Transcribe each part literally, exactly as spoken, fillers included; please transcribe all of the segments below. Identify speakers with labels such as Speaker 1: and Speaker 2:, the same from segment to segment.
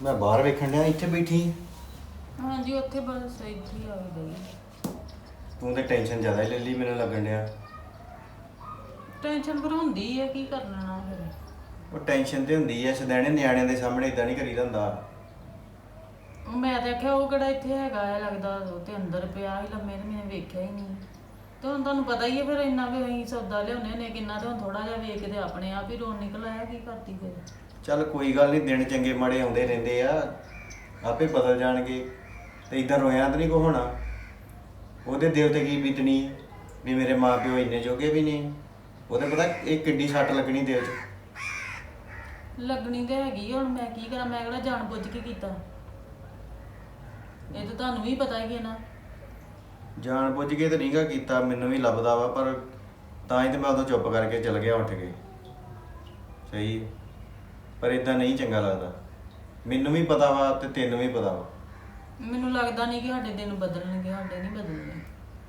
Speaker 1: ਮੈਂ ਬਾਹਰ ਵੇਖਣ ਡਿਆ ਇੱਥੇ ਬੈਠੀ।
Speaker 2: ਹਾਂਜੀ ਉੱਥੇ ਬਸ ਇੱਥੇ ਹੀ ਆ ਗਈ।
Speaker 1: ਤੂੰ ਤੇ ਟੈਨਸ਼ਨ ਜ਼ਿਆਦਾ ਹੀ ਲੈ ਲਈ ਮੈਨੂੰ ਲੱਗਣ ਡਿਆ।
Speaker 2: ਟੈਨਸ਼ਨ ਫਿਰ ਹੁੰਦੀ ਹੈ, ਕੀ ਕਰਨਾ ਨਾ ਫਿਰ।
Speaker 1: ਉਹ ਟੈਨਸ਼ਨ ਤੇ ਹੁੰਦੀ ਐ, ਸਦੈਣੇ ਨਿਆਣਿਆਂ ਦੇ ਸਾਹਮਣੇ ਇਦਾਂ ਨਹੀਂ ਕਰੀਦਾ ਹੁੰਦਾ।
Speaker 2: ਮੈਂ ਤਾਂ ਆਖਿਆ ਉਹ ਕਿਹੜਾ ਇੱਥੇ ਹੈਗਾ ਹੈ, ਲੱਗਦਾ ਉਹ ਤੇ ਅੰਦਰ ਪਿਆ ਹੀ ਲੰਮੇ ਤੇ ਮੈंने ਵੇਖਿਆ ਹੀ ਨਹੀਂ। ਤੇ ਹੁਣ ਤੁਹਾਨੂੰ ਪਤਾ ਹੀ ਹੈ ਫਿਰ ਇੰਨਾ ਵੀ ਅਸੀਂ ਸੌਦਾ ਲਿਆਉਂਦੇ ਨੇ ਕਿੰਨਾ, ਤੇ ਹੁਣ ਥੋੜਾ ਜਿਹਾ ਵੇਖ ਕੇ ਤੇ ਆਪਣੇ ਆਪ ਹੀ ਰੋਣ ਨਿਕਲ ਆਇਆ, ਕੀ ਕਰਦੀ ਫਿਰ।
Speaker 1: ਚੱਲ ਕੋਈ ਗੱਲ ਨਹੀਂ, ਦਿਨ ਚੰਗੇ ਮਾੜੇ ਆਉਂਦੇ ਰਹਿੰਦੇ ਆ, ਆਪੇ ਬਦਲ ਜਾਣਗੇ। ਤੇ ਇਦਾਂ ਰੋਇਆ ਤਾਂ ਨਹੀਂ ਕੋ ਹੋਣਾ। ਉਹਦੇ ਦਿਲ ਤੇ ਕੀ ਬੀਤਣੀ ਹੈ ਵੀ ਮੇਰੇ ਮਾਂ ਪਿਓ ਇੰਨੇ ਜੋਗੇ ਵੀ ਨਹੀਂ। ਉਹਦੇ ਪਤਾ ਇਹ ਕਿੱਡੀ ਸੱਟ ਲੱਗਣੀ ਦਿਲ 'ਚ।
Speaker 2: ਲੱਗਣੀ ਤੇ ਹੈਗੀ ਹੁਣ ਮੈਂ ਕੀ ਕਰਾਂ, ਮੈਂ ਕਿਹੜਾ ਜਾਣ ਬੁੱਝ ਕੇ ਕੀਤਾ, ਇਹ ਤਾਂ ਤੁਹਾਨੂੰ ਵੀ ਪਤਾ ਹੀ ਹੈ ਨਾ।
Speaker 1: ਜਾਣ ਬੁੱਝ ਕੇ ਤਾਂ ਨਹੀਂਗਾ ਕੀਤਾ, ਮੈਨੂੰ ਵੀ ਲੱਭਦਾ ਵਾ, ਪਰ ਤਾਂ ਹੀ ਤੇ ਮੈਂ ਉਦੋਂ ਚੁੱਪ ਕਰਕੇ ਚਲ ਗਿਆ ਉੱਠ ਕੇ। ਸਹੀ ਹੈ, ਪਰ ਇਦਾਂ ਨਹੀਂ ਚੰਗਾ ਲੱਗਦਾ। ਮੈਨੂੰ ਵੀ ਪਤਾ ਵਾ ਤੇ ਤੈਨੂੰ ਵੀ ਪਤਾ ਵਾ।
Speaker 2: ਮੈਨੂੰ ਲੱਗਦਾ ਨਹੀਂ ਕਿ ਸਾਡੇ ਦਿਨ ਬਦਲਣਗੇ, ਸਾਡੇ ਨਹੀਂ ਬਦਲਣੇ।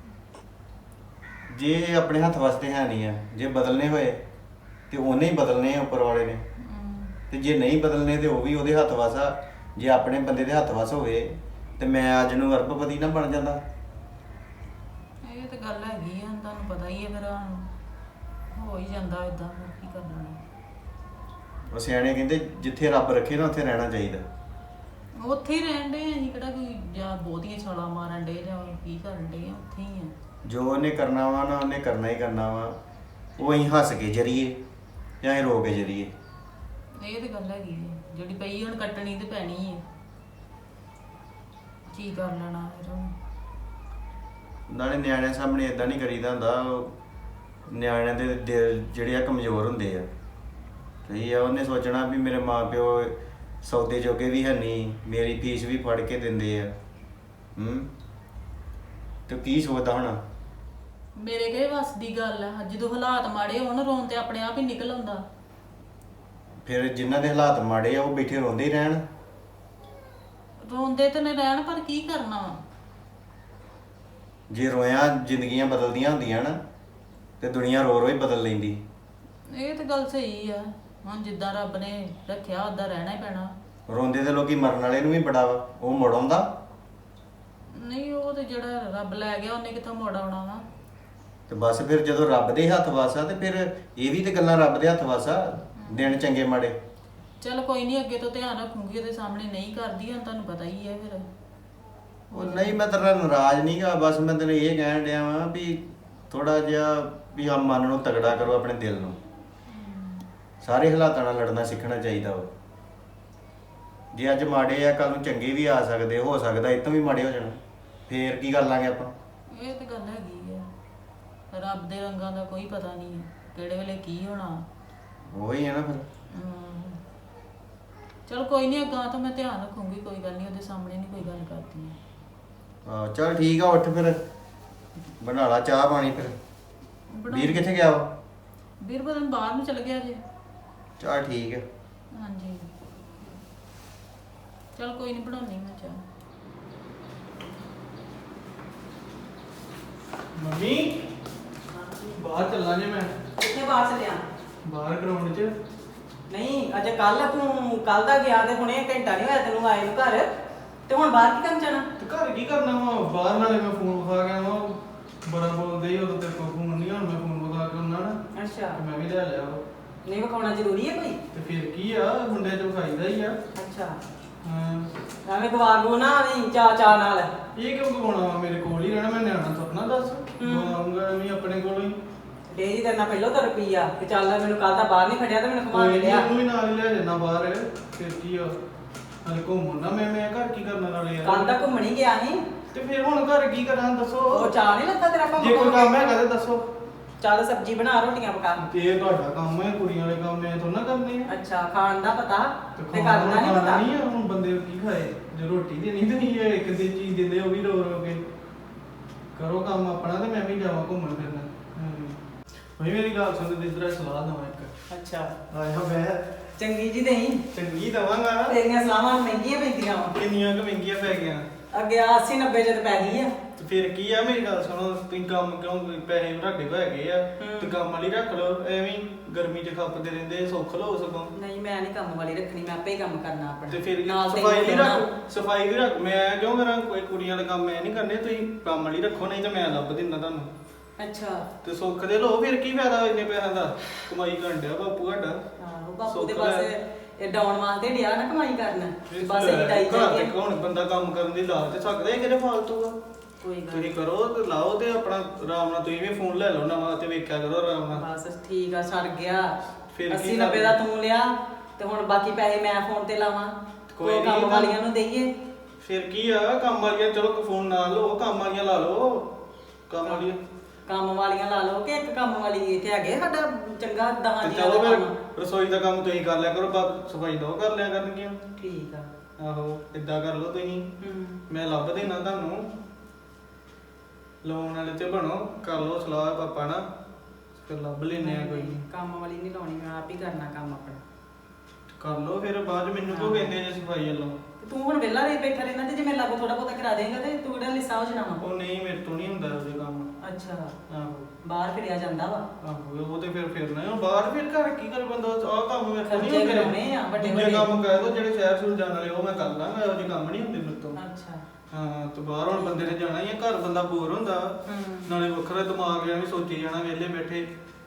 Speaker 1: ਜੇ ਆਪਣੇ ਹੱਥ ਵਾਸਤੇ ਹੈ ਨਹੀਂ ਆ, ਜੇ ਬਦਲਨੇ ਹੋਏ ਤੇ ਉਹਨੇ ਹੀ ਬਦਲਨੇ ਆ, ਉੱਪਰ ਵਾਲੇ ਨੇ। ਤੇ ਜੇ ਨਹੀਂ ਬਦਲਨੇ ਤੇ ਉਹ ਵੀ ਉਹਦੇ ਹੱਥ ਵਸ ਆ। ਜੇ ਆਪਣੇ ਬੰਦੇ ਦੇ ਹੱਥ ਵਸ ਹੋਵੇ ਤੇ ਮੈਂ ਅੱਜ ਨੂੰ ਅਰਬਪਤੀ ਨਾ ਬਣ ਜਾਂਦਾ।
Speaker 2: ਇਹ ਤਾਂ ਗੱਲ ਹੈਗੀ ਆ, ਤੁਹਾਨੂੰ ਪਤਾ ਹੀ ਹੈ ਫਿਰ ਹੋ ਹੀ ਜਾਂਦਾ ਇਦਾਂ, ਕੀ ਕਰਨਾ।
Speaker 1: ਉਹ ਸਿਆਣੇ ਕਹਿੰਦੇ ਜਿੱਥੇ ਰੱਬ ਰੱਖੇ ਨਾ ਉੱਥੇ ਰਹਿਣਾ ਚਾਹੀਦਾ।
Speaker 2: ਉੱਥੇ ਹੀ ਰਹਿਣ ਦੇ ਅਸੀਂ ਕਿਹੜਾ ਕੋਈ ਜਾਂ ਬਹੁਤੀਆਂ ਛਾਲਾਂ ਮਾਰਨ ਡੇ ਜਾਂ ਕੀ ਕਰਨ ਡੇ ਆ, ਉੱਥੇ ਹੀ ਆ।
Speaker 1: ਜੋ ਉਹਨੇ ਕਰਨਾ ਵਾ ਨਾ ਉਹਨੇ ਕਰਨਾ ਹੀ ਕਰਨਾ ਵਾ। ਉਹ ਅਸੀਂ ਹੱਸ ਕੇ ਜਰੀਏ ਜਾਂ ਅਸੀਂ ਰੋ ਕੇ ਜਰੀਏ।
Speaker 2: ਇਹ ਤਾਂ ਗੱਲ ਹੈਗੀ ਹੈ, ਜਿਹੜੀ ਪਈ ਹੁਣ ਕੱਟਣੀ ਤੇ ਪੈਣੀ ਹੈ, ਕੀ ਕਰ ਲੈਣਾ ਫਿਰ ਹੁਣ।
Speaker 1: ਨਾਲੇ ਨਿਆਣਿਆਂ ਸਾਹਮਣੇ ਇਦਾਂ ਨਹੀਂ ਕਰੀਦਾ ਹੁੰਦਾ। ਉਹ ਨਿਆਣਿਆਂ ਦੇ ਦਿਲ ਜਿਹੜੇ ਆ ਕਮਜ਼ੋਰ ਹੁੰਦੇ ਆ। ਸਹੀ ਆ, ਉਹਨੇ ਸੋਚਣਾ ਵੀ ਮੇਰੇ ਮਾਂ ਪਿਓ ਸੌਦੇ ਜੋਗੇ ਵੀ ਹੈ ਨਹੀਂ, ਮੇਰੀ ਫੀਸ ਵੀ ਫੜ ਕੇ ਦਿੰਦੇ ਆ। ਹੂੰ ਤੇ ਕੀ ਸੋਚਦਾ ਹੋਣਾ।
Speaker 2: ਮੇਰੇ ਕਹੇ ਵੱਸ ਦੀ ਗੱਲ ਆ, ਜਦੋਂ ਹਾਲਾਤ ਮਾੜੇ ਹੋਣ ਰੋਣ ਤੇ ਆਪਣੇ ਆਪ ਹੀ ਨਿਕਲ ਆਉਂਦਾ।
Speaker 1: ਫਿਰ ਜਿਨ੍ਹਾਂ ਦੇ ਹਾਲਾਤ ਮਾੜੇ ਆ ਉਹ ਬੈਠੇ ਰੋਂਦੇ ਹੀ ਰਹਿਣ।
Speaker 2: ਰੋਂਦੇ ਤੇ ਨੇ ਰਹਿਣ, ਪਰ ਕੀ ਕਰਨਾ ਵਾ।
Speaker 1: ਜੇ ਰੋਇਆ ਜ਼ਿੰਦਗੀਆਂ ਬਦਲਦੀਆਂ ਹੁੰਦੀਆਂ ਨਾ ਤੇ ਦੁਨੀਆ ਰੋ ਰੋ ਹੀ ਬਦਲ ਲੈਂਦੀ।
Speaker 2: ਇਹ ਤਾਂ ਗੱਲ ਸਹੀ ਆ, ਹੁਣ ਜਿੱਦਾਂ ਰੱਬ ਨੇ ਰੱਖਿਆ ਉਦਾਂ ਰਹਿਣਾ ਹੀ ਪੈਣਾ।
Speaker 1: ਰੋਂਦੇ ਤੇ ਲੋਕੀ ਮਰਨ ਵਾਲੇ ਨੂੰ ਵੀ ਬੜਾ ਵਾ, ਉਹ ਮੁੜ ਆਉਂਦਾ
Speaker 2: ਨਹੀਂ, ਉਹ ਤੇ ਜਿਹੜਾ ਰੱਬ ਲੈ ਗਿਆ ਉਹਨੇ ਕਿੱਥੋਂ ਮੋੜ ਆਉਣਾ ਵਾ।
Speaker 1: ਤੇ ਬਸ ਫਿਰ ਜਦੋਂ ਰੱਬ ਦੇ ਹੱਥ ਵਸ ਆ ਤੇ ਫਿਰ ਇਹ ਵੀ ਤੇ ਗੱਲਾਂ ਰੱਬ ਦੇ ਹੱਥ ਵਸ ਆ, ਦਿਨ ਚੰਗੇ ਮਾੜੇ।
Speaker 2: ਚੱਲ ਕੋਈ ਨਹੀਂ, ਅੱਗੇ ਤੋਂ ਧਿਆਨ ਰੱਖੂਗੀ, ਉਹਦੇ ਸਾਹਮਣੇ ਨਹੀਂ ਕਰਦੀ, ਹੁਣ ਤੁਹਾਨੂੰ ਪਤਾ ਹੀ ਹੈ ਫਿਰ।
Speaker 1: ਉਹ ਨਹੀਂ, ਮੈਂ ਤੇਰਾ ਨਾਰਾਜ਼ ਨਹੀਂਗਾ, ਬਸ ਮੈਂ ਤੈਨੂੰ ਇਹ ਕਹਿਣ ਡਿਆ ਵਾਂ ਵੀ ਥੋੜਾ ਜਿਹਾ ਵੀ ਆ ਮਨ ਨੂੰ ਤਗੜਾ ਕਰੋ, ਆਪਣੇ ਦਿਲ ਨੂੰ। ਸਾਰੇ ਹਾਲਾਤਾਂ ਨਾਲ ਲੜਨਾ ਸਿੱਖਣਾ ਚਾਹੀਦਾ ਵਾ। ਜੇ ਅੱਜ ਮਾੜੇ ਆ ਕੱਲ ਨੂੰ ਚੰਗੇ ਵੀ ਆ ਸਕਦੇ, ਹੋ ਸਕਦਾ ਇਹ ਤੋਂ ਵੀ ਮਾੜੇ ਹੋ ਜਾਣ। ਫੇਰ ਕੀ ਕਰ ਲਾਂਗੇ ਆਪਾਂ।
Speaker 2: ਇਹ ਤਾਂ ਗੱਲ ਹੈਗੀ ਆ, ਰੱਬ ਦੇ ਰੰਗਾਂ ਦਾ ਕੋਈ ਪਤਾ ਨਹੀਂ ਕਿਹੜੇ ਵੇਲੇ ਕੀ ਹੋਣਾ।
Speaker 1: ਉਹੀ ਹੈ ਨਾ ਫਿਰ।
Speaker 2: ਚਲ ਕੋਈ ਨਹੀਂ, ਅੱਗਾ ਤੋਂ ਮੈਂ ਧਿਆਨ ਰੱਖੂੰਗੀ, ਕੋਈ ਗੱਲ ਨਹੀਂ, ਉਹਦੇ ਸਾਹਮਣੇ ਨਹੀਂ ਕੋਈ ਗੱਲ ਕਰਦੀ।
Speaker 1: ਹਾਂ ਚੱਲ ਠੀਕ ਆ, ਉੱਠ ਫਿਰ ਬਣਾ ਲਾ ਚਾਹ ਪਾਣੀ। ਫਿਰ ਵੀਰ ਕਿੱਥੇ ਗਿਆ ਵਾ?
Speaker 2: ਵੀਰ ਬਦਨ ਬਾਹਰ ਨੂੰ ਚਲ ਗਿਆ ਜੇ।
Speaker 1: ਚੱਲ ਠੀਕ ਹੈ।
Speaker 2: ਹਾਂਜੀ ਚਲ ਕੋਈ ਨਹੀਂ, ਬਣਾਉਣੀ ਮੈਂ ਚਾਹ।
Speaker 3: ਮੰਮੀ ਬਾਹਰ ਚੱਲਾਂ ਜੇ ਮੈਂ।
Speaker 4: ਕਿੱਥੇ ਬਾਹਰ ਚੱਲਿਆ?
Speaker 3: ਬਾਹਰ ਗਰਾਊਂਡ 'ਚ।
Speaker 4: ਨਹੀਂ ਅਜੇ ਕੱਲ ਤੂੰ ਕੱਲ ਦਾ ਗਿਆ ਤੇ ਹੁਣੇ ਘੰਟਾ ਨਹੀਂ ਹੋਇਆ ਤੈਨੂੰ ਆਏ ਨੂੰ ਘਰ, ਤੇ ਹੁਣ ਬਾਹਰ ਕੀ ਕਰਨ ਜਾਣਾ?
Speaker 3: ਤੇ ਘਰ ਕੀ ਕਰਨਾ ਵਾ? ਬਾਹਰ ਨਾਲੇ ਮੈਂ ਫੋਨ ਵਿਖਾ ਗਿਆ ਵਾ, ਬੜਾ ਬੋਲਦੇ ਹੀ ਉਦੋਂ ਤੇਰੇ ਕੋਲ ਫੋਨ ਨਹੀਂ, ਹੁਣ ਮੈਂ ਫੋਨ ਵਿਖਾ ਕੇ ਉਹਨਾਂ ਨਾ
Speaker 4: ਅੱਛਾ,
Speaker 3: ਤੇ ਮੈਂ ਵੀ ਲੈ ਲਿਆ ਵਾ।
Speaker 4: ਨਹੀਂ ਵਿਖਾਉਣਾ ਜ਼ਰੂਰੀ ਹੈ ਕੋਈ?
Speaker 3: ਤੇ ਫਿਰ ਕੀ ਆ, ਮੁੰਡੇ 'ਚ ਵਿਖਾਈਦਾ ਹੀ ਆ।
Speaker 4: ਅੱਛਾ,
Speaker 3: ਹਾਂ
Speaker 4: ਐਵੇਂ ਗਵਾ ਗੋ ਨਾ ਵੀ ਚਾ ਚਾ ਨਾਲ।
Speaker 3: ਇਹ ਕਿਉਂ ਗਵਾਉਣਾ ਵਾ? ਮੇਰੇ ਕੋਲ ਹੀ ਰਹਿਣਾ, ਮੈਂ ਨਿਆਣਾ ਤੁਰਨਾ ਦੱਸ। ਗਵਾਉਂਗਾ ਐਵੇਂ ਆਪਣੇ ਕੋਲ ਹੀ।
Speaker 4: ਡੇਰੀ ਕਰਨਾ ਪਹਿਲਾਂ ਤਾਂ ਰੁਪਈਆ ਤੇ ਚੱਲ ਮੈਨੂੰ ਕੱਲ ਦਾ ਬਾਹਰ ਨਹੀਂ ਖੜਿਆ ਤੇ ਮੈਨੂੰ ਘੁਮਾ ਕੇ
Speaker 3: ਕੋਈ
Speaker 4: ਲਿਆ।
Speaker 3: ਨਹੀਂ, ਵੀ ਨਾਲ ਹੀ ਲੈ ਜਾਣਾ ਬਾਹਰ। ਫਿਰ ਕੀ ਆ, ਨਾਲੇ ਘੁੰਮਣਾ ਮੈਂ ਮੈਂ ਘਰ ਕੀ ਕਰਨਾ ਨਾਲੇ ਯਾਰ।
Speaker 4: ਕੱਲ ਦਾ ਘੁੰਮਣ ਹੀ ਗਿਆ ਸੀ
Speaker 3: ਤੇ ਫਿਰ ਹੁਣ ਘਰ ਕੀ ਕਰਾਂ ਦੱਸੋ?
Speaker 4: ਉਹ ਚਾਹ ਨਹੀਂ ਲੱਗਾ ਤੇਰਾ ਕੰਮ?
Speaker 3: ਜੇ ਕੋਈ ਕੰਮ ਹੈਗਾ ਤੇ ਦੱਸੋ।
Speaker 4: ਚੱਲ ਸਬਜ਼ੀ ਬਣਾ, ਰੋਟੀਆਂ ਪਕਾ।
Speaker 3: ਤੇ ਇਹ ਤੁਹਾਡਾ ਕੰਮ ਹੈ, ਕੁੜੀਆਂ ਵਾਲੇ ਕੰਮ ਐ ਥੋੜਾ ਕਰਨੇ ਆ।
Speaker 4: ਅੱਛਾ, ਖਾਣ ਦਾ ਪਤਾ
Speaker 3: ਤੇ
Speaker 4: ਤੇ
Speaker 3: ਖਾਣਾ
Speaker 4: ਕਰਦਾ ਨਹੀਂ ਪਤਾ।
Speaker 3: ਨਹੀਂ ਆ, ਹੁਣ ਬੰਦੇ ਕੀ ਖਾਏ ਜੇ ਰੋਟੀ ਦੇ ਨਹੀਂ ਤੇ ਨਹੀਂ ਹੈ, ਇੱਕ ਦੀ ਚੀਜ਼ ਦਿੰਦੇ ਉਹ ਵੀ ਰੋ ਰੋ ਕੇ। ਕਰੋ ਕੰਮ ਆਪਣਾ ਤੇ ਮੈਂ ਵੀ ਜਾਵਾਂ ਘੁੰਮਣ ਫਿਰਨ। ਭਾਈ ਮੇਰੀ ਗੱਲ ਸੁਣ, ਤੇ ਇਧਰ ਸਲਾਹ ਦਵਾਂ ਇੱਕ।
Speaker 4: ਅੱਛਾ,
Speaker 3: ਆਇਆ ਮੈਂ
Speaker 4: ਚੰਗੀ ਜੀ ਨਹੀਂ,
Speaker 3: ਚੰਗੀ ਦਵਾਂਗਾ।
Speaker 4: ਤੇਰੀਆਂ ਸਲਾਹਾਂ ਮਹਿੰਗੀਆਂ ਪੈਂਦੀਆਂ ਵਾ।
Speaker 3: ਕਿੰਨੀਆਂ ਕੁ ਮਹਿੰਗੀਆਂ ਪੈ ਗਈਆਂ?
Speaker 4: ਅੱਗੇ ਅੱਸੀ ਨੱਬੇ ਚ ਤੇ ਪੈ ਗਈ ਆ।
Speaker 3: ਤੇ ਫਿਰ ਕੀ ਆ, ਮੇਰੀ ਗੱਲ ਸੁਣੋ, ਤੁਸੀਂ ਕੰਮ ਕਿਉਂ, ਪੈਸੇ ਤੁਹਾਡੇ ਕੋਲ ਹੈਗੇ ਆ ਤੇ ਕੰਮ ਵਾਲੀ ਰੱਖ ਲਓ, ਐਵੇਂ ਹੀ ਗਰਮੀ ਚ ਖੱਪਦੇ ਰਹਿੰਦੇ, ਸੁੱਖ ਲਓ ਸਗੋਂ।
Speaker 4: ਨਹੀਂ ਮੈਂ ਨਹੀਂ ਕੰਮ ਵਾਲੀ ਰੱਖਣੀ, ਮੈਂ ਆਪੇ ਹੀ ਕੰਮ ਕਰਨਾ ਆਪਣਾ।
Speaker 3: ਤੇ ਫਿਰ
Speaker 4: ਨਾਲ ਤੈਨੂੰ
Speaker 3: ਸਫਾਈ ਵੀ
Speaker 4: ਲਾਉਣਾ।
Speaker 3: ਰੱਖ, ਸਫਾਈ ਵੀ ਰੱਖ, ਮੈਂ ਕਿਉਂ ਕਰਾਂ, ਕੋਈ ਕੁੜੀਆਂ ਵਾਲੇ ਕੰਮ ਮੈਂ ਨਹੀਂ ਕਰਨੇ, ਤੁਸੀਂ ਕੰਮ ਵਾਲੀ ਰੱਖੋ, ਨਹੀਂ ਤੇ ਮੈਂ ਲੱਭ ਦਿੰਦਾ ਤੁਹਾਨੂੰ।
Speaker 4: ਅੱਛਾ
Speaker 3: ਤੇ ਸੁੱਖ ਦੇ ਲੋ, ਫਿਰ ਕੀ ਫਾਇਦਾ ਇੰਨੇ ਪੈਸਿਆਂ ਦਾ, ਕਮਾਈ ਕਰਨ ਡਿਆ ਬਾਪੂ ਸਾਡਾ।
Speaker 4: ਆਹੋ ਬਾਪੂ ਦੇ
Speaker 3: ਸੁੱਖ
Speaker 4: ਬਸ
Speaker 3: ਲੈ।
Speaker 4: ਇਹ ਡਾਉਣ ਵਾਸਤੇ ਡਿਆ ਨਾ ਕਮਾਈ ਕਰਨ, ਬਸ
Speaker 3: ਲੈ,
Speaker 4: ਇਹ ਡਾਈ
Speaker 3: ਘਰ
Speaker 4: ਜਾਂਦੀ
Speaker 3: ਤੇ ਹੁਣ ਬੰਦਾ ਕੰਮ ਕਰਨ ਦੀ ਲਾ ਤੇ ਸਕਦਾ ਹੈ, ਕਿਹੜੇ ਫਾਲਤੂ ਆ।
Speaker 4: ਕੋਈ ਗੱਲ
Speaker 3: ਤੁਸੀਂ ਕਰੋ ਤੇ ਲਾਓ ਤੇ ਆਪਣਾ ਆਰਾਮ ਨਾਲ, ਤੁਸੀਂ ਵੀ ਫੋਨ ਲੈ ਲਓ ਨਵਾਂ ਤੇ ਵੇਖਿਆ ਕਰੋ ਆਰਾਮ ਨਾਲ।
Speaker 4: ਬਸ ਠੀਕ ਆ, ਛੱਡ ਗਿਆ।
Speaker 3: ਫਿਰ ਕੀ
Speaker 4: ਅੱਸੀ ਨੱਬੇ ਦਾ ਤੂੰ ਲਿਆ ਤੇ ਹੁਣ ਬਾਕੀ ਪੈਸੇ ਮੈਂ ਫੋਨ ਤੇ ਲਾਵਾਂ,
Speaker 3: ਕੋਈ
Speaker 4: ਕੋਈ ਕੰਮ
Speaker 3: ਨੀ,
Speaker 4: ਵਾਲੀਆਂ ਨੂੰ ਦੇਈਏ।
Speaker 3: ਫਿਰ ਕੀ ਆ, ਕੰਮ ਵਾਲੀਆਂ ਚਲੋ ਫੋਨ ਨਾ ਲਓ, ਕੰਮ ਵਾਲੀਆਂ ਲਾ ਲਓ, ਕੰਮ ਵਾਲੀਆਂ।
Speaker 4: ਕੰਮ ਵਾਲੀਆਂ ਲਾ ਲਓ ਕਿ ਇੱਕ ਕੰਮ ਵਾਲੀ ਇੱਥੇ ਹੈਗੇ ਸਾਡਾ ਚੰਗਾ ਦਹਾਂ
Speaker 3: ਤੇ
Speaker 4: ਜੀਆਂ
Speaker 3: ਚਲੋ
Speaker 4: ਦਾ
Speaker 3: ਫਿਰ
Speaker 4: ਕੰਮ।
Speaker 3: ਰਸੋਈ ਦਾ ਕੰਮ ਤੁਸੀਂ ਕਰ ਲਿਆ ਕਰੋ, ਬਸ ਸਫਾਈ ਦੋ ਕਰ ਲਿਆ ਕਰਨਗੀਆਂ।
Speaker 4: ਠੀਕ ਆ।
Speaker 3: ਆਹੋ ਏਦਾਂ ਕਰ ਲਓ ਤੁਸੀਂ,
Speaker 4: ਹੂੰ
Speaker 3: ਮੈਂ ਲੱਭ ਦੇਣਾ ਤੁਹਾਨੂੰ, ਲੋਨ ਵਾਲੇ ਤੇ ਬਣੋ, ਕਰ ਲਓ ਸਲਾਹ ਪਾਪਾ ਨਾਲ, ਫਿਰ ਲੱਭ ਲੈਨੇ ਆ ਕੋਈ।
Speaker 4: ਕੰਮ ਵਾਲੀ ਨਹੀਂ ਲਾਉਣੀ, ਮੈਂ ਆਪ ਹੀ ਕਰਨਾ ਕੰਮ ਆਪਣਾ।
Speaker 3: ਕਰ ਲਓ ਫਿਰ ਬਾਅਦ ਚ ਮੈਨੂੰ ਕਿਉਂ ਕਹਿੰਦੇ ਜੇ ਸਫਾਈ ਵੱਲੋਂ।
Speaker 4: ਤੇ ਤੂੰ ਹੁਣ ਵਿਹਲਾ ਰਹਿ ਬੈਠਾ ਰਹਿਣਾ, ਤੇ ਜੇ ਮੈਂ ਲਾਗੂ ਥੋੜਾ ਬਹੁਤਾ ਕਰਾ ਦੇਂਗਾ ਤੇ ਤੂੰ ਕਿਹੜਾ ਲਿਸਾ ਹੋ ਜਾਣਾ ਵਾ।
Speaker 3: ਉਹ ਨਹੀਂ, ਮੇਰੇ ਤੋਂ ਨਹੀਂ ਹੁੰਦਾ ਉਹਦੇ ਕੰਮ।
Speaker 4: ਅੱਛਾ
Speaker 3: ਆਹੋ
Speaker 4: ਬਾਹਰ ਫਿਰਿਆ ਜਾਂਦਾ ਵਾ।
Speaker 3: ਆਹੋ ਉਹ ਤੇ ਫਿਰ ਫਿਰਨਾ ਹੈ, ਬਾਹਰ ਫਿਰ ਘਰ ਕੀ ਕਰ ਬੰਦਾ, ਆਹ ਕੰਮ ਮੇਰੇ ਤੋਂ ਨਹੀਂ
Speaker 4: ਖਰਚੇ
Speaker 3: ਹੁੰਦੇ।
Speaker 4: ਕਰਾਉਣੇ ਆ ਵੱਡੇ
Speaker 3: ਦੂਜੇ
Speaker 4: ਵੱਡੇ।
Speaker 3: ਕੰਮ ਕਹਿ ਦੋ ਜਿਹੜੇ ਸ਼ਹਿਰ ਸ਼ੁਰ ਜਾਣ ਵਾਲੇ, ਉਹ ਮੈਂ ਕਰ ਲਾਂਗਾ, ਇਹੋ ਜਿਹੇ ਕੰਮ ਨਹੀਂ ਹੁੰਦੇ ਮੇਰੇ ਤੋਂ।
Speaker 4: ਅੱਛਾ
Speaker 3: ਹਾਂ ਤੇ ਬਾਹਰ ਹੁਣ ਬੰਦੇ ਨੇ ਜਾਣਾ ਹੀ ਆ, ਘਰ ਬੰਦਾ ਬੋਰ ਹੁੰਦਾ,
Speaker 4: ਹੂੰ
Speaker 3: ਨਾਲੇ ਵੱਖਰਾ ਦਿਮਾਗ ਐਵੇਂ ਸੋਚੀ ਜਾਣਾ ਵਿਹਲੇ ਬੈਠੇ।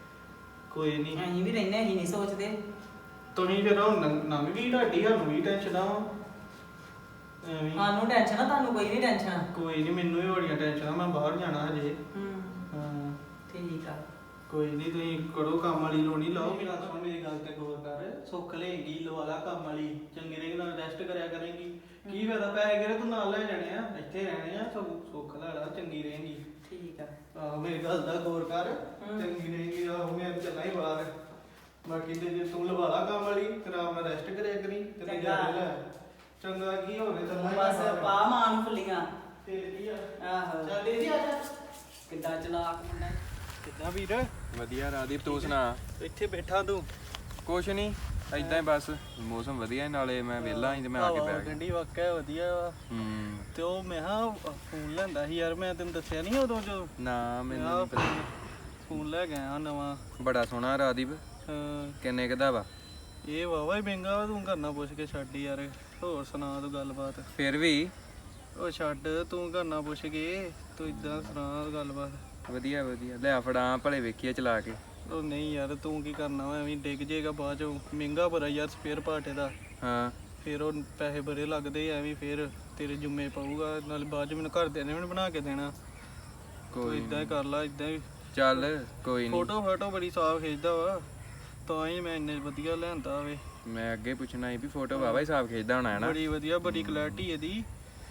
Speaker 3: ਕੋਈ ਨਹੀਂ,
Speaker 4: ਅਸੀਂ ਵੀ ਰਹਿੰਦੇ, ਅਸੀਂ ਨਹੀਂ ਸੋਚਦੇ।
Speaker 3: ਤੁਸੀਂ ਫਿਰ ਹੁਣ ਲੰਘ ਲੰਘ ਗਈ ਤੁਹਾਡੀ, ਸਾਨੂੰ ਵੀ ਟੈਨਸ਼ਨ ਆ ਐਵੇਂ ਹੀ।
Speaker 4: ਸਾਨੂੰ ਟੈਨਸ਼ਨ ਆ, ਤੁਹਾਨੂੰ ਕੋਈ ਨਹੀਂ ਟੈਨਸ਼ਨ।
Speaker 3: ਕੋਈ ਨਹੀਂ, ਮੈਨੂੰ ਵੀ ਬੜੀਆਂ ਟੈਨਸ਼ਨਾਂ, ਮੈਂ ਬਾਹਰ ਜਾਣਾ ਹਜੇ।
Speaker 4: ਹੂੰ
Speaker 3: ਹਾਂ
Speaker 4: ਠੀਕ ਆ।
Speaker 3: ਕੋਈ ਨਹੀਂ, ਤੁਸੀਂ ਕਰੋ ਕੰਮ ਵਾਲੀ ਲੋਣੀ ਲਾਓ। ਮੇਰਾ ਸੁਣ, ਮੇਰੀ ਗੱਲ ਤੇ ਗੌਰ ਕਰ, ਸੁੱਖ ਲਏਗੀ ਲਵਾ ਲਾ ਕੰਮ ਵਾਲੀ, ਚੰਗੇ ਰਹੇਗੀ, ਨਾਲ ਰੈਸਟ ਕਰਿਆ ਕਰੇਗੀ। ਕੀ ਫਾਇਦਾ ਪੈਸੇ ਕਿਹੜੇ ਤੂੰ ਨਾਲ ਲੈ ਜਾਣੇ ਆ, ਇੱਥੇ ਰਹਿਣੇ ਆ, ਸਭ ਸੁੱਖ ਲੈ ਲਾ, ਚੰਗੀ ਰਹੇਗੀ।
Speaker 4: ਠੀਕ ਆ।
Speaker 3: ਆਹੋ ਮੇਰੀ ਗੱਲ ਦਾ ਗੌਰ ਕਰ,
Speaker 4: ਹਮ।
Speaker 3: ਚੰਗੀ ਰਹੇਗੀ। ਆਹੋ ਮੈਂ ਤਾਂ ਚੱਲਾਂ ਹੀ ਬਾਹਰ, ਬਾਕੀ ਤੇ ਜੇ ਤੂੰ ਲਵਾ ਲਾ ਕੰਮ ਵਾਲੀ, ਤੇ ਆਰਾਮ ਨਾਲ ਰੈਸਟ ਕਰਿਆ ਕਰੀ ਤੇ
Speaker 4: ਚੰਗਾ।
Speaker 3: ਨਜ਼ਾਰੇ ਲੈ। ਚੰਗਾ ਕੀ ਹੋਵੇ, ਚੱਲਾਂ ਹੀ
Speaker 4: ਬਸ
Speaker 3: ਬਾਹਰ।
Speaker 4: ਪਾ ਮਾਨ ਫੁੱਲੀਆਂ।
Speaker 3: ਫਿਰ ਕੀ ਆ,
Speaker 4: ਆਹੋ
Speaker 3: ਚੱਲ ਦੇ ਜੀ ਆ ਜਾ।
Speaker 4: ਕਿੱਦਾਂ ਚਲਾਕ ਮੁੰਡਾ।
Speaker 3: ਕਿੱਦਾਂ ਵੀਰ?
Speaker 5: ਵਧੀਆ ਰਾਦੀਪ, ਤੂੰ ਸੁਣਾ?
Speaker 3: ਇੱਥੇ ਬੈਠਾ ਤੂੰ?
Speaker 5: ਕੁਛ ਨਹੀਂ, ਏਦਾਂ ਹੀ ਬਸ, ਮੌਸਮ ਵਧੀਆ ਨਾਲੇ ਮੈਂ ਵਿਹਲਾ ਸੀ ਤੇ ਮੈਂ ਆ ਕੇ ਬੈ ਗਿਆ।
Speaker 3: ਗੰਢੀ ਵਾਕਿਆ ਵਧੀਆ ਵਾ।
Speaker 5: ਹੂੰ
Speaker 3: ਤੇ ਉਹ ਮੈਂ ਹਾਂ ਫੋਨ ਲੈਂਦਾ ਸੀ ਯਾਰ, ਮੈਂ ਤੈਨੂੰ ਦੱਸਿਆ ਨਹੀਂ ਉਦੋਂ ਜੋ
Speaker 5: ਨਾ ਮੈਨੂੰ
Speaker 3: ਆਹ
Speaker 5: ਨੀ ਪਤਾ।
Speaker 3: ਫੋਨ ਲੈ ਗਿਆ ਨਵਾਂ।
Speaker 5: ਬੜਾ ਸੋਹਣਾ ਰਾਦੀਪ,
Speaker 3: ਹਾਂ
Speaker 5: ਕਿੰਨੇ ਕਦਾ ਵਾ?
Speaker 3: ਇਹ ਵਾਵਾ ਹੀ ਮਹਿੰਗਾ ਵਾ, ਤੂੰ ਕਰਨਾ ਪੁੱਛ ਕੇ ਛੱਡ ਯਾਰ। ਹੋਰ ਸੁਣਾ ਤੂੰ ਗੱਲਬਾਤ?
Speaker 5: ਫਿਰ ਵੀ
Speaker 3: ਉਹ ਛੱਡ, ਤੂੰ ਕਰਨਾ ਪੁੱਛ ਕੇ, ਤੂੰ ਇਦਾਂ ਸੁਣਾ ਗੱਲਬਾਤ।
Speaker 5: ਵਧੀਆ ਵਧੀਆ, ਲੈ ਫੜਾ ਭਲੇ ਵੇਖੀਏ ਚਲਾ ਕੇ।
Speaker 3: ਉਹ ਨਹੀਂ ਯਾਰ, ਤੂੰ ਕੀ ਕਰਨਾ ਵਾ, ਐਵੇਂ ਡਿੱਗ ਜੇਗਾ ਬਾਅਦ ਚੋਂ, ਮਹਿੰਗਾ ਬੜਾ ਯਾਰ ਸਪੇਅਰ ਪਾਰਟ ਇਹਦਾ।
Speaker 5: ਹਾਂ
Speaker 3: ਫਿਰ ਉਹ ਪੈਸੇ ਬੜੇ ਲੱਗਦੇ ਐਵੇਂ, ਫਿਰ ਤੇਰੇ ਜੁੰਮੇ ਪਊਗਾ, ਨਾਲ ਬਾਅਦ ਚ ਮੈਨੂੰ ਘਰਦਿਆਂ ਨੇ ਵੀ ਨੀ ਬਣਾ ਕੇ ਦੇਣਾ। ਤੂੰ
Speaker 5: ਕੋਈ
Speaker 3: ਇਦਾਂ ਹੀ ਕਰ ਲਾ, ਇਦਾਂ ਹੀ।
Speaker 5: ਚੱਲ ਕੋਈ ਨਹੀਂ,
Speaker 3: ਫੋਟੋ ਫੋਟੋ ਬੜੀ ਸਾਫ ਖਿੱਚਦਾ ਵਾ, ਤਾਂ ਹੀ ਮੈਂ ਇੰਨੇ ਵਧੀਆ ਲਿਆਂਦਾ ਵੇ।
Speaker 5: ਮੈਂ ਅੱਗੇ ਪੁੱਛਣਾ ਸੀ ਵੀ ਫੋਟੋ ਵਾਵਾ ਹੀ ਸਾਫ ਖਿੱਚਦਾ ਹੋਣਾ ਹੈ ਨਾ?
Speaker 3: ਬੜੀ ਵਧੀਆ, ਬੜੀ ਕੁਆਲਿਟੀ ਇਹਦੀ।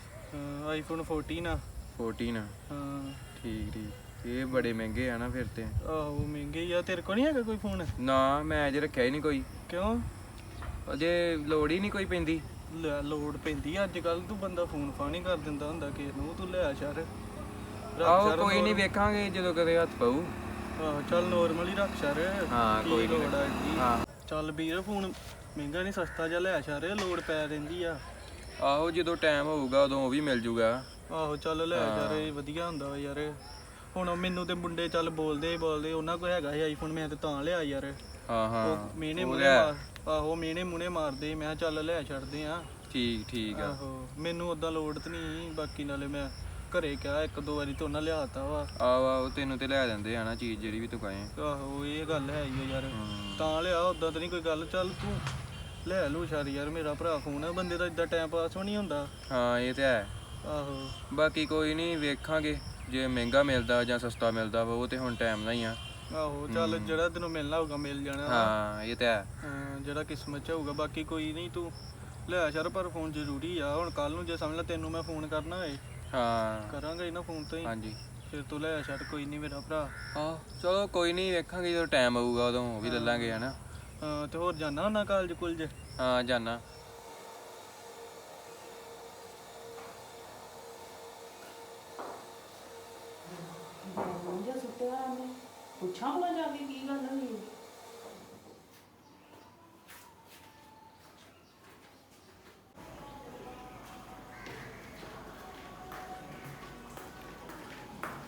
Speaker 3: ਆਈਫੋਨ ਫੋਰਟੀਨ ਆ।
Speaker 5: ਚੌਦਾਂ
Speaker 3: ਹਾਂ
Speaker 5: ਠੀਕ ਠੀਕ, ਇਹ ਬੜੇ ਮਹਿੰਗੇ ਆ ਨਾ ਫਿਰ ਤੇ।
Speaker 3: ਆਹੋ ਮਹਿੰਗੇ ਹੀ ਆ। ਤੇਰੇ ਕੋਲ ਨਹੀਂ ਹੈਗਾ ਕੋਈ ਫੋਨ?
Speaker 5: ਨਾ ਮੈਂ ਅਜੇ ਰੱਖਿਆ ਹੀ ਨਹੀਂ ਕੋਈ,
Speaker 3: ਕਿਉਂ?
Speaker 5: ਅਜੇ ਲੋੜ ਹੀ ਨਹੀਂ ਕੋਈ ਪੈਂਦੀ।
Speaker 3: ਲੈ ਲੋੜ ਪੈਂਦੀ ਆ ਅੱਜ ਕੱਲ, ਤੂੰ ਬੰਦਾ ਫੋਨ ਫਾਨੀ ਕਰ ਦਿੰਦਾ ਹੁੰਦਾ ਕਿਸੇ ਨੂੰ, ਤੂੰ ਲੈ ਸ਼ਰ।
Speaker 5: ਆਹੋ ਕੋਈ ਨਹੀਂ, ਵੇਖਾਂਗੇ ਜਦੋਂ ਕਦੇ ਹੱਥ ਪਊ।
Speaker 3: ਆਹੋ ਚੱਲ ਨੋਰਮਲ ਹੀ ਰੱਖ ਸ਼ਰ।
Speaker 5: ਹਾਂ, ਕੋਈ ਨੀ।
Speaker 3: ਲੋੜ ਆ ਇੱਡੀ।
Speaker 5: ਹਾਂ
Speaker 3: ਚੱਲ ਵੀਰ ਫੋਨ ਮਹਿੰਗਾ ਨਹੀਂ, ਸਸਤਾ ਜਿਹਾ ਲੈ ਸ਼ਰ, ਲੋੜ ਪੈ ਰਹਿੰਦੀ ਆ।
Speaker 5: ਆਹੋ ਜਦੋਂ ਟਾਈਮ ਹੋਊਗਾ ਉਦੋਂ ਉਹ ਵੀ ਮਿਲ ਜੂਗਾ।
Speaker 3: ਆਹੋ ਚੱਲ ਲੈ ਯਾਰ, ਇਹ ਵਧੀਆ ਹੁੰਦਾ ਵਾ ਯਾਰ। ਹੁਣ ਮੈਨੂੰ ਤੇ ਮੁੰਡੇ ਚੱਲ ਬੋਲਦੇ ਹੀ ਬੋਲਦੇ, ਉਹਨਾਂ ਕੋਲ ਹੈਗਾ ਸੀ ਆਈਫੋਨ, ਮੈਂ ਤੇ ਤਾਂ ਲਿਆ ਯਾਰ।
Speaker 5: ਹਾਂ ਹਾਂ
Speaker 3: ਉਹ ਮੀਨੇ
Speaker 5: ਉਹ
Speaker 3: ਮੁਨੇ
Speaker 5: ਲੈ।
Speaker 3: ਮਾਰ ਆਹੋ ਮੀਨੇ ਮੁਨੇ ਮਾਰਦੇ, ਮੈਂ ਕਿਹਾ ਚੱਲ ਲੈ ਛੱਡਦੇ ਆ।
Speaker 5: ਠੀਕ ਠੀਕ ਆ।
Speaker 3: ਆਹੋ ਮੈਨੂੰ ਉਦਾਂ ਲੋੜ ਤੇ ਨਹੀਂ, ਬਾਕੀ ਨਾਲੇ ਮੈਂ ਘਰੇ ਕਿਹਾ ਇੱਕ ਦੋ ਵਾਰੀ ਤੇ ਉਹਨਾਂ ਲਿਆਤਾ ਵਾ।
Speaker 5: ਆਹੋ ਆਹੋ ਤੈਨੂੰ ਤੇ ਲੈ ਦਿੰਦੇ ਆ ਨਾ ਚੀਜ਼ ਜਿਹੜੀ ਵੀ ਤੂੰ ਕਹੇ।
Speaker 3: ਆਹੋ ਇਹ ਗੱਲ ਹੈ ਹੀ ਆ ਯਾਰ,
Speaker 5: ਹਮ।
Speaker 3: ਤਾਂ ਲਿਆ, ਉਦਾਂ ਤਾਂ ਨਹੀਂ ਕੋਈ ਗੱਲ। ਚੱਲ ਤੂੰ ਲੈ ਲੂ ਸ਼ਾਰੀ ਯਾਰ, ਮੇਰਾ ਭਰਾ ਫੋਨ ਆ, ਬੰਦੇ ਦਾ ਇਦਾਂ ਟਾਈਮ ਪਾਸ ਵੀ ਨਹੀਂ ਹੁੰਦਾ।
Speaker 5: ਹਾਂ ਇਹ ਤੇ ਹੈ।
Speaker 3: ਆਹੋ
Speaker 5: ਬਾਕੀ ਕੋਈ ਨਹੀਂ, ਵੇਖਾਂਗੇ ਜੇ ਮਹਿੰਗਾ ਮਿਲਦਾ ਜਾਂ ਸਸਤਾ ਮਿਲਦਾ ਵਾ, ਉਹ ਤੇ ਹੁਣ ਟਾਈਮ ਦਾ ਹੀ ਆ।
Speaker 3: ਆਹੋ ਚੱਲ ਜਿਹੜਾ ਤੈਨੂੰ ਮਿਲਣਾ ਹੋਊਗਾ ਮਿਲ ਜਾਣਾ।
Speaker 5: ਹਾਂ ਇਹ ਤੇ ਹੈ।
Speaker 3: ਹਾਂ ਜਿਹੜਾ ਕਿਸਮਤ ਚ ਹੋਊਗਾ। ਬਾਕੀ ਕੋਈ ਨਹੀਂ, ਤੂੰ ਲੈ ਸ਼ਰ, ਪਰ ਫੋਨ ਜ਼ਰੂਰੀ ਆ। ਹੁਣ ਕੱਲ ਨੂੰ ਜੇ ਸਮਝ ਲੈ ਤੈਨੂੰ ਮੈਂ ਫੋਨ ਕਰਨਾ ਹੋਏ,
Speaker 5: ਹਾਂ
Speaker 3: ਕਰਾਂਗਾ ਹੀ ਨਾ ਫੋਨ ਤੋਂ ਹੀ।
Speaker 5: ਹਾਂਜੀ
Speaker 3: ਫਿਰ ਤੂੰ ਲੈ ਛੱਡ, ਕੋਈ ਨਹੀਂ ਮੇਰਾ ਭਰਾ।
Speaker 5: ਹਾਂ ਚਲੋ ਕੋਈ ਨਹੀਂ, ਵੇਖਾਂਗੇ ਜਦੋਂ ਟਾਈਮ ਆਊਗਾ ਉਦੋਂ ਉਹ ਵੀ ਲੈ ਲਾਂਗੇ ਹਨਾ।
Speaker 3: ਹਾਂ ਤੇ ਹੋਰ ਜਾਣਾ ਹੁੰਦਾ ਕਾਲਜ ਕੁਲਜ?
Speaker 5: ਹਾਂ ਜਾਨਾ।
Speaker 2: ਪੁੱਛਾਂ ਭਲਾ ਜਾ ਕੇ ਕੀ ਗੱਲ ਹੋਈ।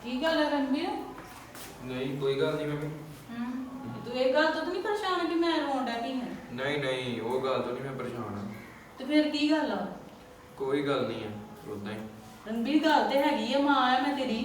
Speaker 2: ਕੀ ਗੱਲ ਹੈ ਰਣਵੀਰ?
Speaker 5: ਨਹੀਂ ਕੋਈ ਗੱਲ ਨਹੀਂ ਮੰਮੀ।
Speaker 2: ਹੂੰ ਤੂੰ ਇਹ ਗੱਲ ਤੋਂ ਤਾਂ ਨਹੀਂ ਪਰੇਸ਼ਾਨ ਕਿ ਮੈਂ ਰੋਣ ਡੈ ਪਈ ਹਾਂ?
Speaker 5: ਨਹੀਂ ਨਹੀਂ ਉਹ ਗੱਲ ਤੋਂ ਨਹੀਂ ਮੈਂ ਪਰੇਸ਼ਾਨ।
Speaker 2: ਤੇ ਫਿਰ ਕੀ ਗੱਲ ਆ?
Speaker 5: ਕੋਈ ਗੱਲ ਨਹੀਂ ਹੈ ਉਦਾਂ ਹੀ।
Speaker 2: ਰਣਵੀਰ ਗੱਲ ਤੇ ਹੈਗੀ ਆ, ਮਾਂ ਆ ਮੈਂ ਤੇਰੀ।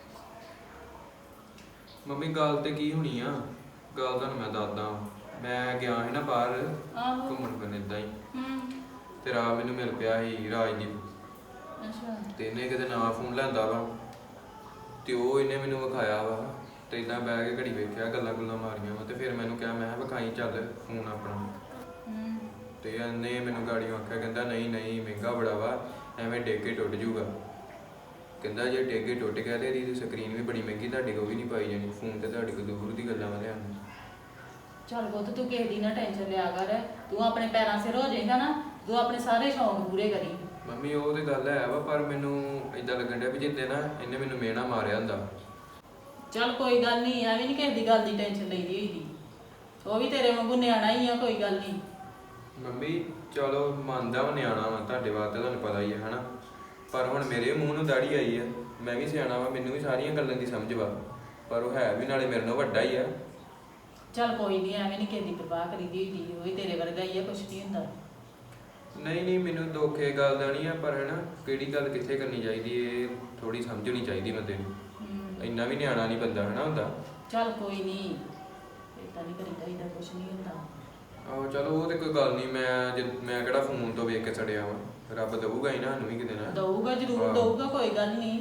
Speaker 5: ਮੰਮੀ ਗੱਲ ਤੇ ਕੀ ਹੋਣੀ ਆ, ਗੱਲ ਤੁਹਾਨੂੰ ਮੈਂ ਦੱਸਦਾ ਵਾਂ। ਮੈਂ ਗਿਆ ਸੀ ਨਾ ਬਾਹਰ
Speaker 2: ਆਹੋ।
Speaker 5: ਘੁੰਮਣ ਫਿਰਨ ਏਦਾਂ ਹੀ,
Speaker 2: ਹੂੰ
Speaker 5: ਤੇ ਰਾਹ ਮੈਨੂੰ ਮਿਲ ਪਿਆ ਸੀ ਰਾਜਦੀਪ,
Speaker 2: ਅੱਛਾ
Speaker 5: ਤੇ ਇਹਨੇ ਕਿਤੇ ਨਵਾਂ ਫੋਨ ਲੈਂਦਾ ਵਾ, ਤੇ ਉਹ ਇਹਨੇ ਮੈਨੂੰ ਵਿਖਾਇਆ ਵਾ, ਤੇ ਇਦਾਂ ਬਹਿ ਕੇ ਘੜੀ ਵੇਖਿਆ, ਗੱਲਾਂ ਗੁੱਲਾਂ ਮਾਰੀਆਂ ਵਾ, ਤੇ ਫਿਰ ਮੈਨੂੰ ਕਿਹਾ ਮੈਂ ਕਿਹਾ ਵਿਖਾਈ ਚੱਲ ਫੋਨ ਆਪਣਾ।
Speaker 2: ਹੂੰ
Speaker 5: ਤੇ ਇਹਨੇ ਮੈਨੂੰ ਗਾੜੀ ਆਖਿਆ, ਕਹਿੰਦਾ ਨਹੀਂ ਨਹੀਂ ਮਹਿੰਗਾ ਬੜਾ ਵਾ, ਐਵੇਂ ਡਿੱਗ ਕੇ ਟੁੱਟ ਜੂਗਾ। ਕਹਿੰਦਾ ਜੇ ਡਿੱਗ ਕੇ ਟੁੱਟ ਗਿਆ ਤੇ ਇਹਦੀ ਸਕਰੀਨ ਵੀ ਬੜੀ ਮਹਿੰਗੀ, ਤੁਹਾਡੇ ਕੋਲ ਵੀ ਨਹੀਂ ਪਾਈ ਜਾਣੀ, ਫੋਨ ਤੇ ਤੁਹਾਡੇ ਕੋਲ ਦੂਰ ਦੀ ਗੱਲਾਂ ਵਾ ਲਿਆਉਣ।
Speaker 2: ਚੱਲ ਪੁੱਤ ਤੂੰ ਕਿਸੇ ਦੀ ਨਾ ਟੈਨਸ਼ਨ ਲਿਆ ਕਰ, ਤੂੰ ਆਪਣੇ ਪੈਰਾਂ ਸਿਰ ਹੋ ਜਾਏਗਾ ਨਾ, ਤੂੰ ਆਪਣੇ ਸਾਰੇ ਸ਼ੌਂਕ ਪੂਰੇ ਕਰੀ।
Speaker 5: ਮੰਮੀ ਉਹ ਤੇ ਗੱਲ ਹੈ ਵਾ, ਪਰ ਮੈਨੂੰ ਇਦਾਂ ਲੱਗਣ ਡਿਆ ਵੀ ਜਿੱਦੇ ਨਾ ਇਹਨੇ ਮੈਨੂੰ ਮਿਹਣਾ ਮਾਰਿਆ ਹੁੰਦਾ।
Speaker 2: ਚੱਲ ਕੋਈ ਗੱਲ ਨਹੀਂ, ਐਵੇਂ ਨਹੀਂ ਕਿਸੇ ਦੀ ਗੱਲ ਦੀ ਟੈਨਸ਼ਨ ਲਈਦੀ ਹੋਈ ਦੀ, ਉਹ ਵੀ ਤੇਰੇ ਵਾਂਗੂ ਨਿਆਣਾ ਹੀ ਆ, ਕੋਈ ਗੱਲ ਨਹੀਂ।
Speaker 5: ਮੰਮੀ ਚਲੋ ਮੰਨਦਾ ਵਾ ਨਿਆਣਾ ਵਾ, ਤੁਹਾਡੇ ਵਾਸਤੇ ਤੁਹਾਨੂੰ ਪਤਾ ਹੀ ਹੈ ਹਨਾ, ਪਰ ਹੁਣ ਮੇਰੇ ਮੂੰਹ ਨੂੰ ਦਾੜੀ ਆਈ ਆ, ਮੈਂ ਵੀ ਸਿਆਣਾ ਵਾ, ਮੈਨੂੰ ਵੀ ਸਾਰੀਆਂ ਗੱਲਾਂ ਦੀ ਸਮਝ ਵਾ, ਪਰ ਉਹ ਹੈ ਵੀ ਨਾਲੇ ਮੇਰੇ ਨਾਲੋਂ ਵੱਡਾ ਹੀ ਆ।
Speaker 2: ਚੱਲ ਕੋਈ ਨਹੀਂ, ਐਵੇਂ ਨਹੀਂ ਕਿਸੇ ਦੀ ਪਰਵਾਹ ਕਰੀਦੀ ਹੋਈ ਦੀ, ਉਹ ਵੀ ਤੇਰੇ ਵਰਗਾ ਹੀ ਆ, ਕੁਛ ਨਹੀਂ ਹੁੰਦਾ।
Speaker 5: ਨਹੀਂ ਨਹੀਂ ਮੈਨੂੰ ਦੁੱਖ ਇਹ ਗੱਲ ਦਾ ਨਹੀਂ ਆ, ਪਰ ਹੈ ਨਾ ਕਿਹੜੀ ਗੱਲ ਕਿੱਥੇ ਕਰਨੀ ਚਾਹੀਦੀ, ਇਹ ਥੋੜੀ ਸਮਝਣੀ ਚਾਹੀਦੀ ਬੰਦੇ ਨੂੰ।
Speaker 2: ਹੂੰ
Speaker 5: ਇੰਨਾ ਵੀ ਨਿਆਣਾ ਨਹੀਂ ਬੰਦਾ ਹਨਾ ਹੁੰਦਾ।
Speaker 2: ਚੱਲ ਕੋਈ ਨਹੀਂ, ਏਦਾਂ ਨਹੀਂ ਕਰੀਦਾ, ਏਦਾਂ ਕੁਛ ਨਹੀਂ ਹੁੰਦਾ।
Speaker 5: ਆਹੋ ਚਲੋ ਉਹ ਤੇ ਕੋਈ ਗੱਲ ਨਹੀਂ, ਮੈਂ ਜੇ ਮੈਂ ਕਿਹੜਾ ਫੋਨ ਤੋਂ ਵੇਖ ਕੇ ਛੜਿਆ ਵਾ, ਰੱਬ ਦਊਗਾ ਹੀ ਨਾ ਸਾਨੂੰ ਵੀ ਕਿਤੇ ਨਾ।
Speaker 2: ਦਊਗਾ ਜ਼ਰੂਰ
Speaker 5: ਹਾਂ।
Speaker 2: ਦਊਗਾ, ਕੋਈ ਗੱਲ ਨਹੀਂ।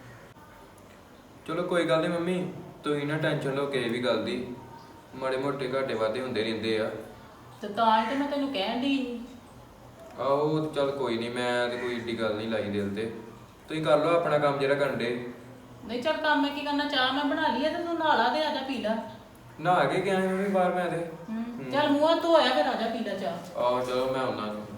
Speaker 5: ਚਲੋ ਕੋਈ ਗੱਲ ਨਹੀਂ ਮੰਮੀ, ਤੁਸੀਂ ਨਾ ਟੈਨਸ਼ਨ ਲਓ ਕਿਸੇ ਵੀ ਗੱਲ ਦੀ, ਮਾੜੇ ਮੋਟੇ ਘਾਟੇ ਵਾਧੇ ਹੁੰਦੇ ਰਹਿੰਦੇ ਆ।
Speaker 2: ਤੇ ਤਾਂ ਹੀ ਤੇ ਮੈਂ ਤੈਨੂੰ ਕਹਿਣ ਦੀ ਸੀ।
Speaker 5: ਆਹੋ ਚੱਲ ਕੋਈ ਨਹੀਂ, ਮੈਂ ਤੇ ਕੋਈ ਏਡੀ ਗੱਲ ਨਹੀਂ ਲਾਈ ਦਿਲ ਤੇ, ਤੁਸੀਂ ਕਰ ਲਓ ਆਪਣਾ ਕੰਮ ਜਿਹੜਾ ਕਰਨ ਦੇ।
Speaker 2: ਨਹੀਂ ਚੱਲ ਕੰਮ ਮੈਂ ਕੀ ਕਰਨਾ, ਚਾਹ ਮੈਂ ਬਣਾ ਲਈ ਆ ਤੇ ਤੂੰ ਨਹਾ ਲਾ ਤੇ ਆ ਜਾ ਪੀ ਲੈ।
Speaker 5: ਨਹਾ ਕੇ ਗਿਆ ਸੀ ਮੰਮੀ ਬਾਹਰ ਮੈਂ ਤੇ।
Speaker 2: ਹੂੰ ਚੱਲ ਮੂੰਹ ਧੋਇਆ, ਫਿਰ ਆ ਜਾ ਪੀ ਲੈ ਚਾਹ।
Speaker 5: ਆਹੋ ਚਲੋ ਮੈਂ ਆਉਣਾ।